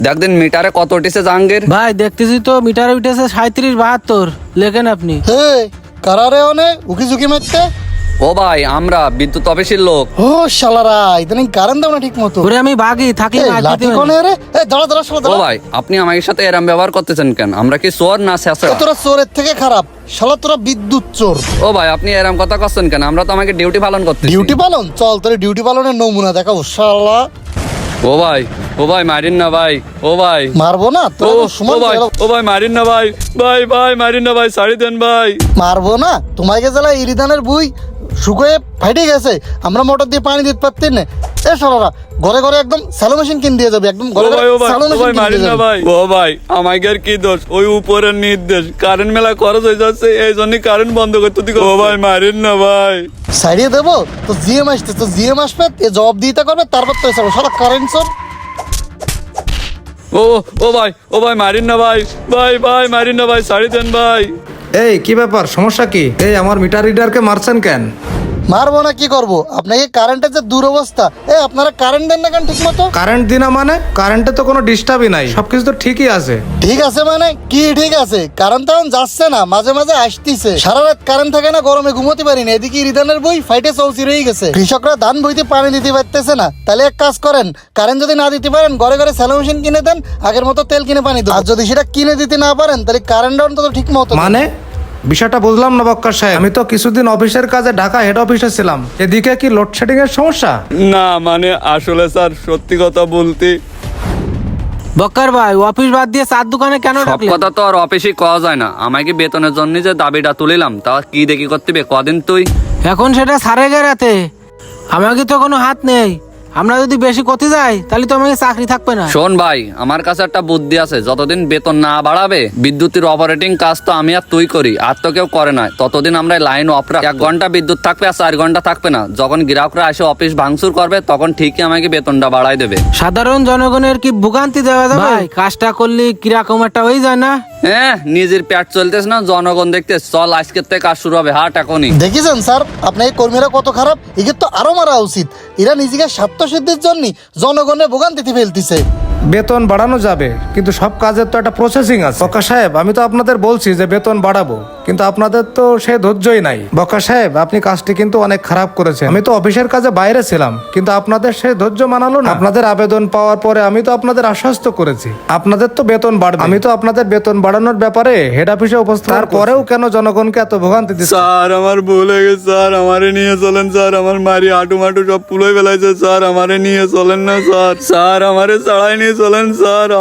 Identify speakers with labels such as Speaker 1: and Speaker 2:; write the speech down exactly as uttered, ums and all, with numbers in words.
Speaker 1: দেখদিন মিটারে কত উঠেছে জাহাঙ্গীর?
Speaker 2: ভাই দেখতেছি তো মিটারে উঠেছে সাঁত্রিশ বাহাত্তর। লেখেন আপনি।
Speaker 3: হে কারারে অনে উকি ঝুঁকি মারতে।
Speaker 1: ও ভাই আমরা বিদ্যুৎ অফিসের লোক।
Speaker 3: ও শালারা ইদানিং কারেন্ট দাও না ঠিক মতো।
Speaker 2: ওরে আমি বাগি থাকি
Speaker 3: এই
Speaker 2: মার
Speaker 3: লাঠি
Speaker 2: দিতে
Speaker 3: কোনে রে? এই দাঁড়া দাঁড়া শালা
Speaker 1: ও
Speaker 3: দাঁড়া।
Speaker 1: ভাই আপনি আমার সাথে এরম ব্যবহার করতেছেন কেন? আমরা কি চোর না শেষরা?
Speaker 3: তোরা চোরের থেকে খারাপ শালা, তোরা বিদ্যুৎ চোর।
Speaker 1: ও ভাই আপনি এরম কথা করছেন কেন? আমরা তো আমাকে ডিউটি পালন করতেছি।
Speaker 3: ডিউটি পালন? চল তোর ডিউটি পালনের নমুনা দেখাবো শালা।
Speaker 1: ও ভাই ও ভাই মারিন না ভাই। ও ভাই
Speaker 3: মারবো না
Speaker 1: ও
Speaker 3: তোর
Speaker 1: ও
Speaker 3: সমান
Speaker 1: ভাই ও ভাই মারিন না ভাই। ভাই ভাই মারিন না ভাই, ছাড়ি দেন ভাই।
Speaker 3: মারবো না তোমাকে জেলা ইরিদানের বুই শুকোয়ে ফাইটে গেছে, আমরা মোটর দিয়ে পানি দিতে পারতি না। এ শালারা ঘরে ঘরে একদম স্যালো মেশিন কিন দিয়ে যাবে, একদম
Speaker 1: ও
Speaker 3: ঘরে
Speaker 1: ভাই ও
Speaker 3: ঘরে
Speaker 1: ভাই
Speaker 3: স্যালো
Speaker 1: ও
Speaker 3: মেশিন
Speaker 1: ভাই
Speaker 3: কিন
Speaker 1: মারিন
Speaker 3: দিয়ে
Speaker 1: না
Speaker 3: যাবে।
Speaker 1: ভাই। ও ভাই আমাদের কি দোষ? ওই উপরের নির্দেশ, কারেন্ট মেলা খরচ হয়ে যাচ্ছে এই জন্য কারেন্ট বন্ধ করতে দিকে। ও ভাই মারিন না ভাই।
Speaker 3: সাইডে দেবো তো জিএম আসতে, তো জিএম আসবে এ জবাব দিতে করবে, তারপর তো এসব শালা কারেন্ট চোর।
Speaker 1: ও ও ভাই ও ভাই মারিন না ভাই। ভাই ভাই মারিন না ভাই, ছাড়ি দেন ভাই।
Speaker 4: এই কি ব্যাপার, সমস্যা কি? এই আমার মিটার রিডারকে মারছেন কেন?
Speaker 3: মারবো না কি করবো? আপনাকে কারেন্টের যে দুরবস্থা, এ আপনারা কারেন্ট দেন না কেন ঠিক মতো?
Speaker 4: কারেন্ট দিনা মানে কারেন্টে তো কোনো ডিস্টার্বই নাই, সবকিছু তো ঠিকই আছে।
Speaker 3: ঠিক আছে মানে কি ঠিক আছে? কারেন্ট তো এখন যাচ্ছে না, মাঝে মাঝে আসতিছে। সারা রাত কারেন্ট থাকে না, গরমে ঘুমোতে পারি না। এদিকে রিদানের বই ফাইটে চলছি রয়ে গেছে, কৃষকরা ধান বইতে পানি দিতে পারতেছে না। তাহলে এক কাজ করেন, কারেন্ট যদি না দিতে পারেন ঘরে ঘরে স্যালো মেশিন কিনে দেন, আগের মতো তেল কিনে পানি দেন। আর যদি সেটা কিনে দিতে না পারেন তাহলে কারেন্ট অন্তত ঠিক মতো দেন।
Speaker 4: মানে বিষয়টা বুঝলাম না বক্কা সাহেব। আমি তো কিছুদিন অফিসের কাজে ঢাকা হেড অফিসে ছিলাম, এদিকে কি লোডশেডিং এর সমস্যা?
Speaker 1: না মানে আসলে স্যার সত্যি কথা বলতে
Speaker 2: বক্কার ভাই অফিস বাদ দিয়ে চার দোকানে কেন
Speaker 1: সব
Speaker 2: ডাকলেন?
Speaker 1: কথা তো আর অফিসে কওয়া যায় না। আমাকে বেতনের জন্য যে দাবিটা তুলিলাম তা কি দেখি করতে হবে কদিন তুই।
Speaker 2: এখন সেটা সারে গেরাতে আমাকে তো কোনো হাত নেই। আমরা যদি বেশি করতে যাই তাহলে তো আমাকে চাকরি থাকবে না।
Speaker 1: শোন ভাই আমার কাছে একটা বুদ্ধি আছে, যতদিন বেতন না বাড়াবে বিদ্যুতের অপারেটিং কাজ তো আমি আর তুই করি, আর তো কেউ করে না। ততদিন আমরা লাইন অফ রাখ, এক ঘন্টা বিদ্যুৎ থাকবে আর চার ঘন্টা থাকবে না। যখন গ্রাহকরা এসে অফিস ভাঙচুর করবে তখন ঠিকই আমাকে বেতনটা বাড়াই দেবে।
Speaker 2: সাধারণ জনগণের কি ভোগান্তি দেওয়া যাবে? ভাই কাজটা করলে কিরকম একটা হয়ে যায় না?
Speaker 1: হ্যাঁ নিজের পেট চলতেছ না, জনগণ দেখতে। চল আজকের থেকে কাজ শুরু হবে, হাট এখনই।
Speaker 3: দেখেছেন স্যার আপনার এই কর্মীরা কত খারাপ? একে তো আরো মারা উচিত। এরা নিজেকে স্বার্থ সিদ্ধির জন্য জনগণের ভোগান্তিতে ফেলতেছে।
Speaker 4: বেতন বাড়ানো যাবে কিন্তু সব কাজের তো একটা প্রসেসিং আছে। বক্কা সাহেব আমি তো আপনাদের বলছি যে বেতন বাড়াবো, কিন্তু আপনাদের তো সে ধৈর্যই নাই। বক্কা সাহেব আপনি কাজটি কিন্তু অনেক খারাপ করেছেন। আমি তো অফিসের কাজে বাইরে ছিলাম, কিন্তু আপনাদের সে ধৈর্য মানালো না। আপনাদের আবেদন পাওয়ার পরে আমি তো আপনাদের আশ্বস্ত করেছি আপনাদের তো বেতন বাড়বে। আমি তো আপনাদের বেতন বাড়ানোর ব্যাপারে হেড অফিসে উপস্থিত, তারপরেও কেন জনগণকে এত ভোগান্তি দিচ্ছে?
Speaker 1: স্যার আমার ভুল হয়ে গেছে স্যার, আমারে নিয়ে চলেন স্যার। আমার মারি হাঁটু মাটু সব পুলোয় ফেলাইছে স্যার, আমারে নিয়ে চলেন না স্যার। স্যার আমারে চাড়াই নিয়ে চলেন স্যার।